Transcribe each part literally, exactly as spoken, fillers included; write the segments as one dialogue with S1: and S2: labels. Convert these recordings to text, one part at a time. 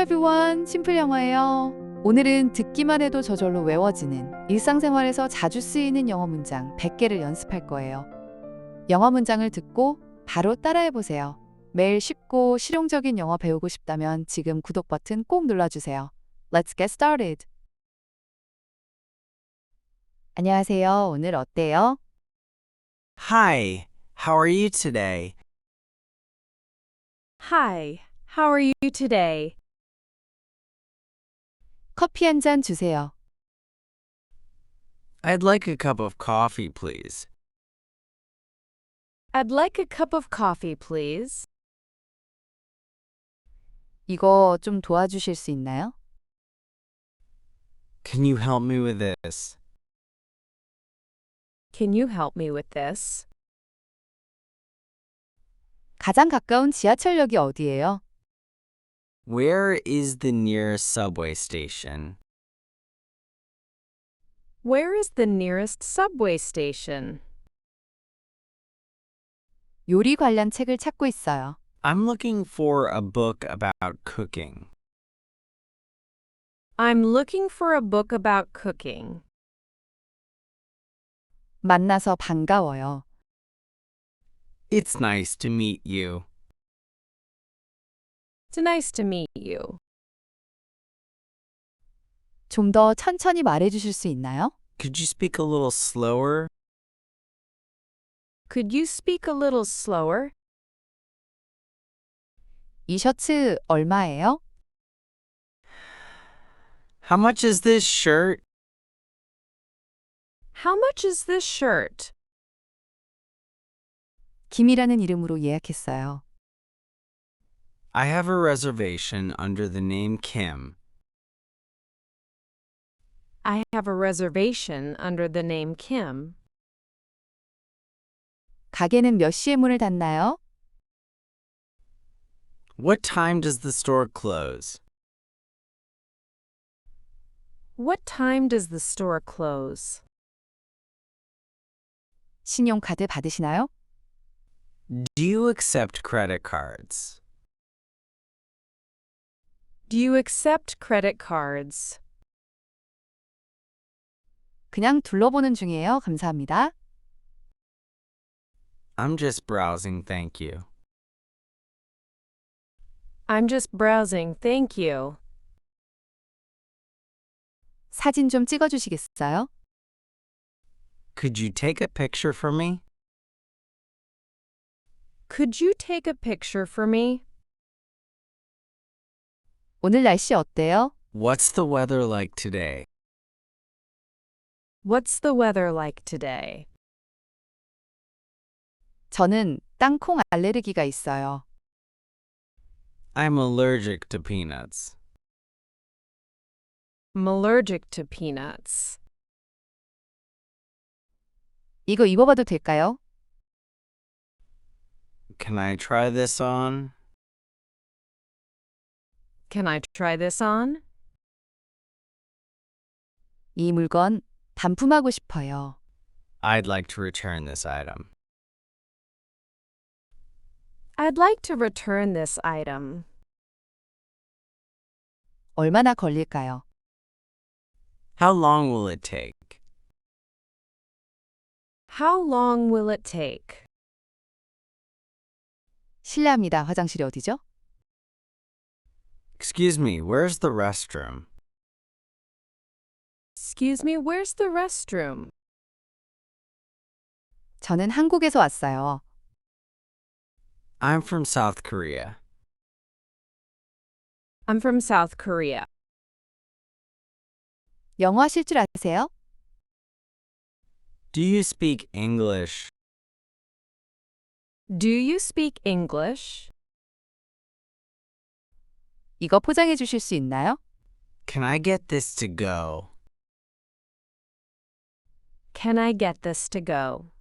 S1: everyone. 심플 영어예요. 오늘은 듣기만 해도 저절로 외워지는 일상생활에서 자주 쓰이는 영어 문장 백 개를 연습할 거예요. 영어 문장을 듣고 바로 따라해 보세요. 매일 쉽고 실용적인 영어 배우고 싶다면 지금 구독 버튼 꼭 눌러주세요. Let's get started. 안녕하세요. 오늘 어때요?
S2: Hi, how are you today?
S3: Hi, how are you today?
S1: 커피 한 잔 주세요.
S2: I'd like a cup of coffee, please.
S3: I'd like a cup of coffee, please.
S1: 이거 좀 도와주실 수 있나요?
S2: Can you help me with this?
S3: Can you help me with this?
S1: 가장 가까운 지하철역이 어디예요?
S2: Where is the nearest subway station?
S3: Where is the nearest subway station?
S1: 요리 관련 책을 찾고 있어요.
S2: I'm looking for a book about cooking.
S3: I'm looking for a book about cooking.
S1: 만나서 반가워요.
S2: It's nice to meet you.
S3: It's nice to meet you.
S1: 좀 더 천천히 말해 주실 수 있나요?
S2: Could you speak a little slower?
S3: Could you speak a little slower?
S1: 이 셔츠 얼마예요?
S2: How much is this shirt?
S3: How much is this shirt?
S1: 김이라는 이름으로 예약했어요.
S2: I have a reservation under the name Kim.
S3: I have a reservation under the name Kim.
S1: 가게는 몇 시에 문을 닫나요?
S2: What time does the store close?
S3: What time does the store close?
S1: 신용카드 받으시나요?
S2: Do you accept credit cards?
S3: Do you accept credit cards?
S1: 그냥 둘러보는 중이에요. 감사합니다.
S2: I'm just browsing, thank you.
S3: I'm just browsing, thank you.
S1: 사진 좀 찍어 주시겠어요?
S2: Could you take a picture for me?
S3: Could you take a picture for me?
S1: 오늘 날씨 어때요?
S2: What's the weather like today?
S3: What's the weather like today?
S1: 저는 땅콩 알레르기가 있어요.
S2: I'm allergic to peanuts.
S3: I'm allergic to peanuts.
S1: 이거 입어봐도 될까요?
S2: Can I try this on?
S3: Can I try this on?
S1: 이 물건 반품하고 싶어요.
S2: I'd like to return this item.
S3: I'd like to return this item.
S1: 얼마나 걸릴까요?
S2: How long will it take?
S3: How long will it take?
S1: 실례합니다. 화장실이 어디죠?
S2: Excuse me, where's the restroom?
S3: Excuse me, where's the restroom?
S1: 저는 한국에서 왔어요.
S2: I'm from South Korea.
S3: I'm from South Korea.
S1: 영어 하실 줄 아세요?
S2: Do you speak English?
S3: Do you speak English?
S1: 이거 포장해 주실 수 있나요?
S2: Can I get this to go?
S3: Can I get this to go?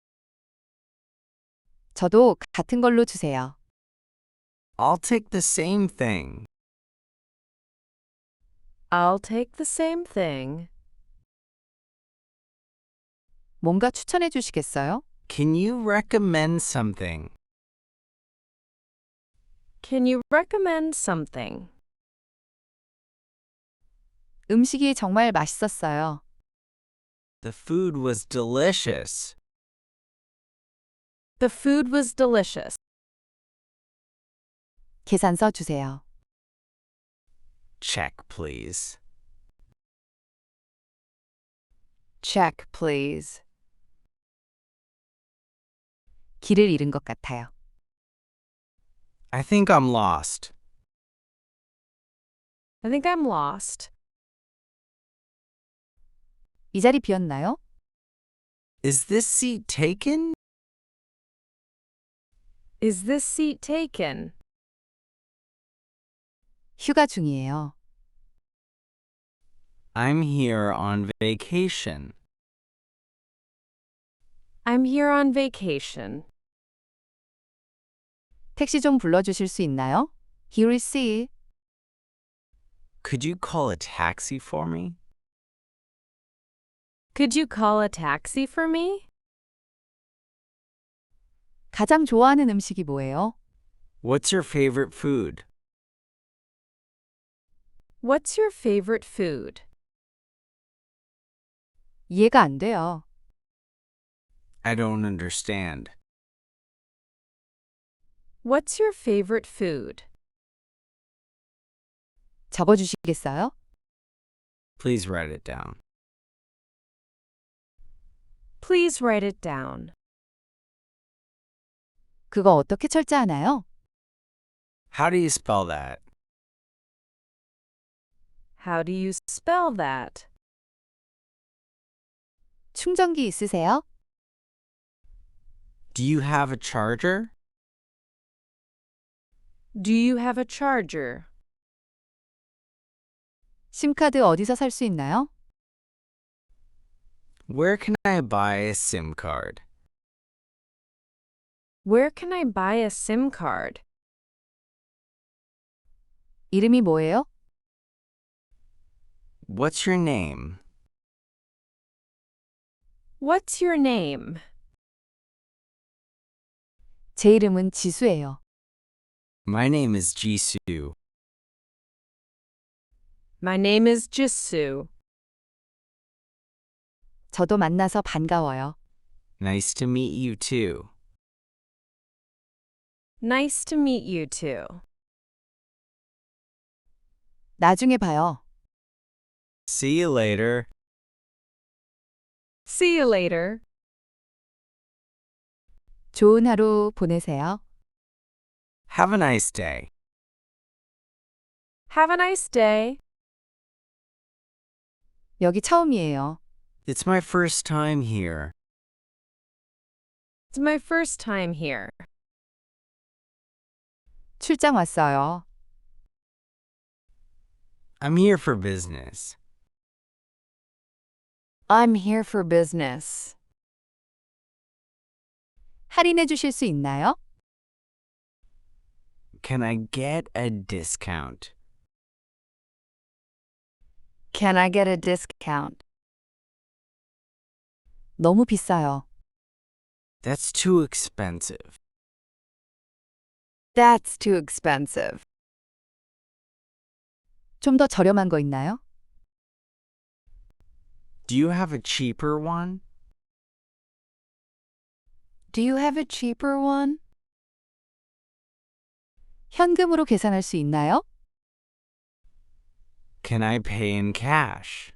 S1: 저도 같은 걸로 주세요.
S2: I'll take the same thing.
S3: I'll take the same thing.
S1: 뭔가 추천해 주시겠어요?
S2: Can you recommend something?
S3: Can you recommend something?
S1: 음식이 정말 맛있었어요.
S2: The food was delicious.
S3: The food was delicious.
S1: 계산서 주세요.
S2: Check, please.
S1: Check, please. 길을 잃은 것 같아요.
S2: I think I'm lost.
S3: I think I'm lost.
S1: 이 자리 비었나요?
S2: Is this seat taken?
S3: Is this seat taken?
S1: 휴가 중이에요.
S2: I'm here on vacation.
S3: I'm here on vacation.
S1: 택시 좀 불러주실 수 있나요? Here is C.
S2: Could you call a taxi for me?
S3: Could you call a taxi for me?
S1: 가장 좋아하는 음식이 뭐예요?
S2: What's your favorite food?
S3: What's your favorite food?
S1: 이해가 안 돼요.
S2: I don't understand.
S3: What's your favorite food?
S1: 적어주시겠어요?
S2: Please write it down.
S3: Please write it down.
S1: 그거 어떻게 철자하나요?
S2: How do you spell that?
S3: How do you spell that?
S1: 충전기 있으세요?
S2: Do you have a charger?
S3: Do you have a charger?
S1: 심카드 어디서 살 수 있나요?
S2: Where can I buy a SIM card?
S3: Where can I buy a SIM card?
S1: 이름이 뭐예요?
S2: What's your name?
S3: What's your name?
S1: 제 이름은 지수예요.
S2: My name is Jisoo.
S3: My name is Jisoo.
S1: 저도 만나서 반가워요.
S2: Nice to meet you too.
S3: Nice to meet you too.
S1: 나중에 봐요.
S2: See you later.
S3: See you later.
S1: 좋은 하루 보내세요.
S2: Have a nice day.
S3: Have a nice day.
S1: 여기 처음이에요.
S2: It's my first time here.
S3: It's my first time here.
S1: 출장 왔어요.
S2: I'm here for business.
S1: I'm here for business. 할인해 주실 수 있나요?
S2: Can I get a discount?
S1: Can I get a discount? 너무 비싸요.
S2: That's too expensive.
S1: That's too expensive. 좀 더 저렴한 거 있나요?
S2: Do you have a cheaper one?
S1: Do you have a cheaper one? 현금으로 계산할 수 있나요?
S2: Can I pay in cash?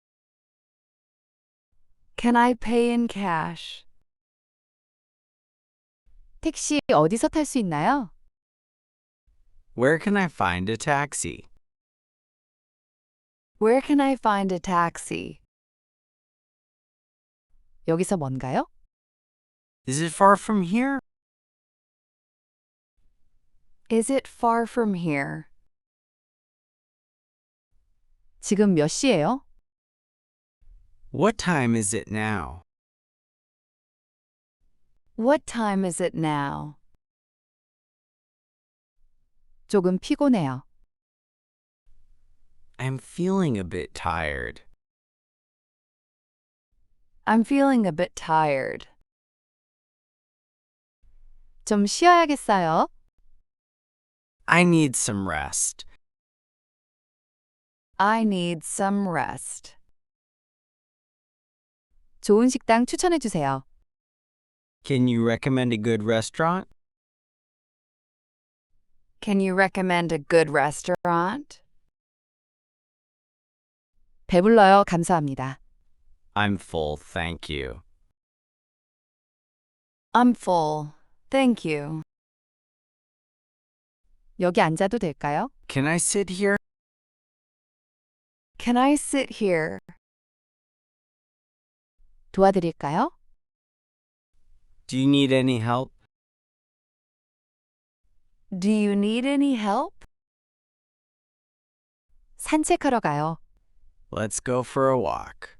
S1: Can I pay in cash? 택시 어디서 탈 수 있나요?
S2: Where can I find a taxi?
S1: Where can I find a taxi? 여기서 먼가요?
S2: Is it far from here?
S1: Is it far from here? 지금 몇 시예요?
S2: What time is it now?
S1: What time is it now? 조금 피곤해요.
S2: I'm feeling a bit tired.
S1: I'm feeling a bit tired. 좀 쉬어야겠어요.
S2: I need some rest.
S1: I need some rest. 좋은 식당 추천해 주세요.
S2: Can you recommend a good restaurant?
S1: Can you recommend a good restaurant? 배불러요. 감사합니다.
S2: I'm full, thank you.
S1: I'm full. Thank you. 여기 앉아도 될까요?
S2: Can I sit here?
S1: Can I sit here? 도와드릴까요?
S2: Do you need any help?
S1: Do you need any help? 산책하러 가요.
S2: Let's go for a walk.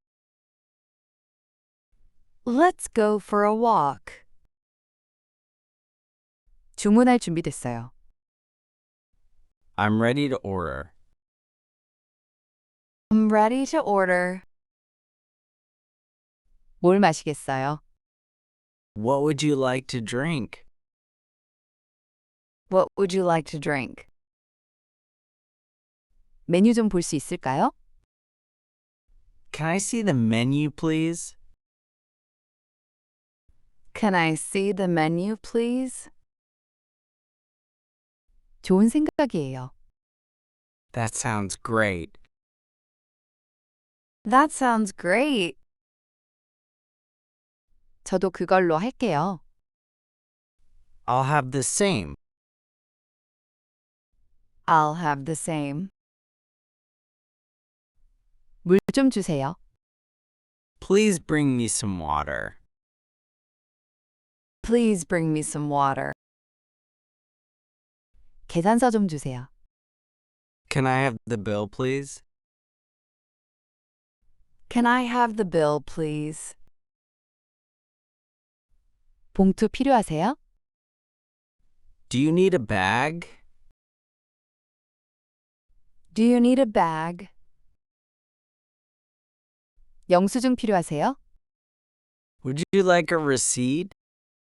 S1: Let's go for a walk. 주문할 준비 됐어요.
S2: I'm ready to order.
S1: I'm ready to order. 뭘 마시겠어요?
S2: What would you like to drink?
S1: What would you like to drink? 메뉴 좀 볼 수 있을까요?
S2: Can I see the menu, please?
S1: Can I see the menu, please? 좋은 생각이에요.
S2: That sounds great.
S1: That sounds great. 저도 그걸로 할게요.
S2: I'll have the same.
S1: I'll have the same. 물 좀 주세요.
S2: Please bring me some water.
S1: Please bring me some water. 계산서 좀 주세요.
S2: Can I have the bill, please?
S1: Can I have the bill, please? 봉투 필요하세요?
S2: Do you need a bag?
S1: Do you need a bag? 영수증 필요하세요?
S2: Would you like a receipt?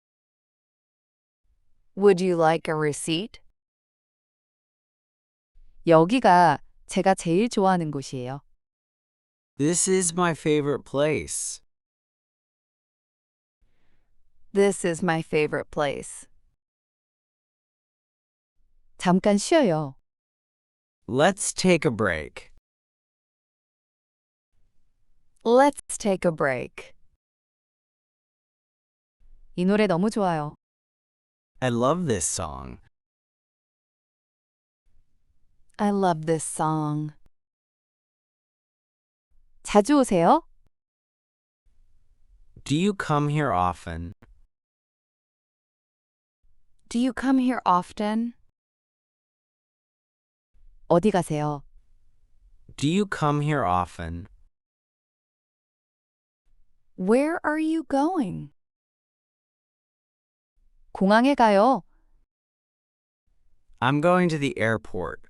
S1: Would you like a receipt? 여기가 제가 제일 좋아하는 곳이에요.
S2: This is my favorite place.
S1: This is my favorite place. 잠깐 쉬어요.
S2: Let's take a break.
S1: Let's take a break. 이 노래 너무 좋아요.
S2: I love this song.
S1: I love this song. 자주 오세요?
S2: Do you come here often?
S1: Do you come here often? 어디 가세요?
S2: Do you come here often?
S1: Where are you going? 공항에 가요.
S2: I'm going to the airport.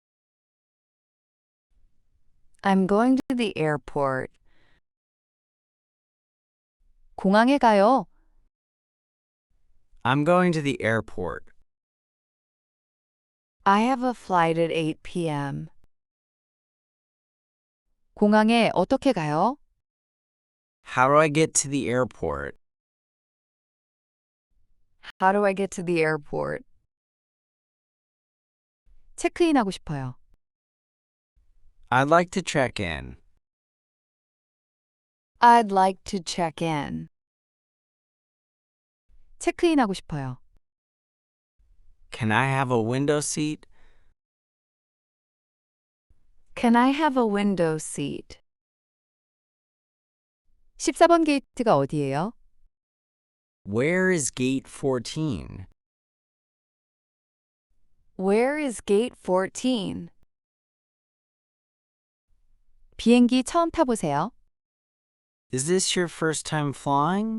S1: I'm going to the airport. 공항에 가요.
S2: I'm going to the airport.
S1: I have a flight at eight p.m. 공항에 어떻게 가요?
S2: How do I get to the airport?
S1: How do I get to the airport? 체크인하고 싶어요.
S2: I'd like to check in.
S1: I'd like to check in. 체크인하고 싶어요.
S2: Can I have a window seat?
S1: Can I have a window seat? 십사 번 게이트가 어디예요?
S2: Where is gate fourteen?
S1: Where is gate fourteen? 비행기 처음 타보세요.
S2: Is this your first time flying?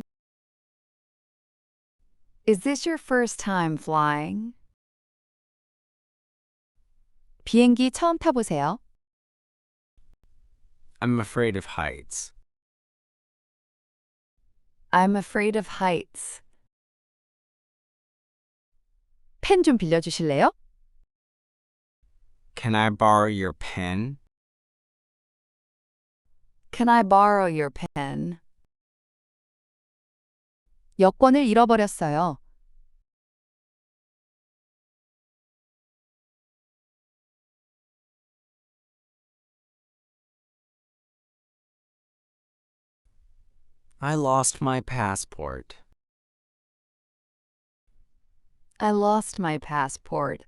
S1: Is this your first time flying? 비행기 처음 타보세요.
S2: I'm afraid of heights.
S1: I'm afraid of heights. 펜 좀 빌려주실래요?
S2: Can I borrow your pen?
S1: Can I borrow your pen? 여권을 잃어버렸어요.
S2: I lost my passport.
S1: I lost my passport.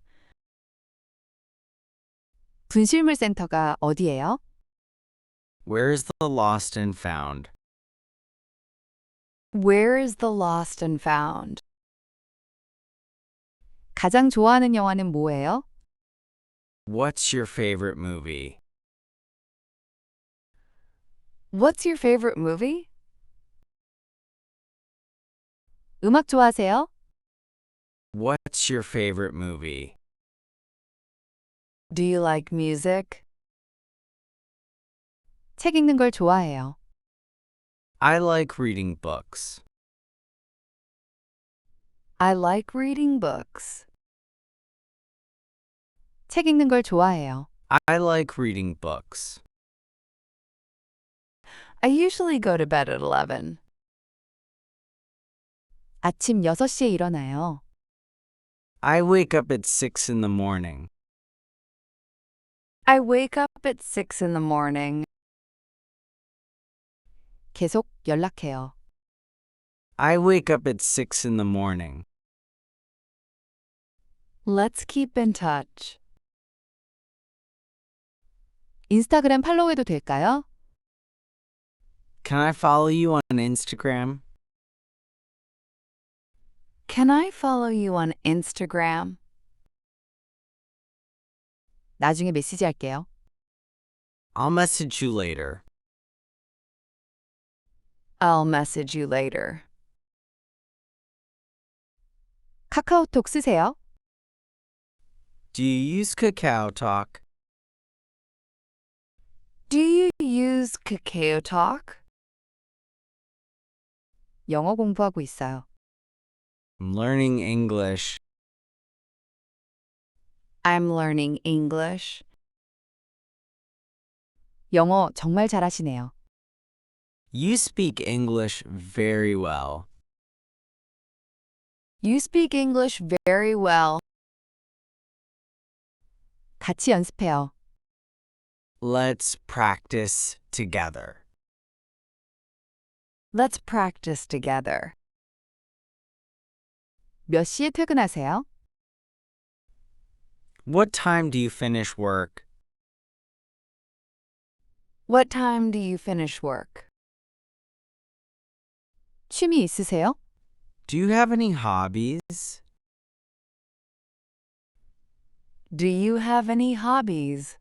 S1: 분실물 센터가 어디예요?
S2: Where is the lost and found?
S1: Where is the lost and found? 가장 좋아하는 영화는 뭐예요?
S2: What's your favorite movie?
S1: What's your favorite movie? 음악 좋아하세요?
S2: What's your favorite movie?
S1: Do you like music? 책 읽는 걸 좋아해요.
S2: I like reading books.
S1: I like reading books. 책 읽는 걸 좋아해요.
S2: I like reading books.
S1: I usually go to bed at eleven. 아침 여섯 시에 일어나요.
S2: I wake up at six in the morning.
S1: I wake up at six in the morning. 계속 연락해요.
S2: I wake up at six in the morning.
S1: Let's keep in touch. 인스타그램 팔로우해도 될까요?
S2: Can I follow you on Instagram?
S1: Can I follow you on Instagram? 나중에 메시지 할게요.
S2: I'll message you later.
S1: I'll message you later. 카카오톡 쓰세요?
S2: Do you use Kakao Talk?
S1: Do you use KakaoTalk? 영어 공부하고 있어요.
S2: I'm learning English.
S1: I'm learning English. 영어 정말 잘하시네요.
S2: You speak English very well.
S1: You speak English very well. 같이 연습해요.
S2: Let's practice together.
S1: Let's practice together. 몇 시에 퇴근하세요?
S2: What time do you finish work?
S1: What time do you finish work? 취미 있으세요?
S2: Do you have any hobbies?
S1: Do you have any hobbies?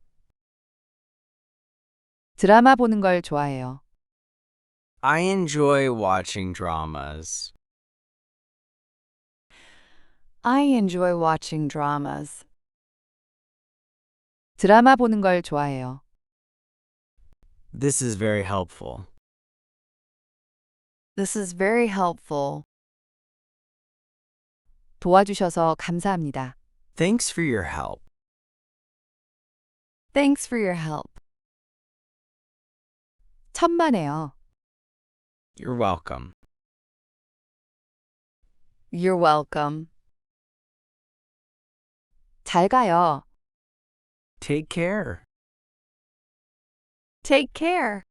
S1: 드라마 보는 걸 좋아해요.
S2: I enjoy watching dramas.
S1: I enjoy watching dramas. 드라마 보는 걸 좋아해요.
S2: This is very helpful.
S1: This is very helpful. 도와주셔서 감사합니다.
S2: Thanks for your help.
S1: Thanks for your help. 천만에요.
S2: You're welcome.
S1: You're welcome. 잘 가요.
S2: Take care.
S1: Take care.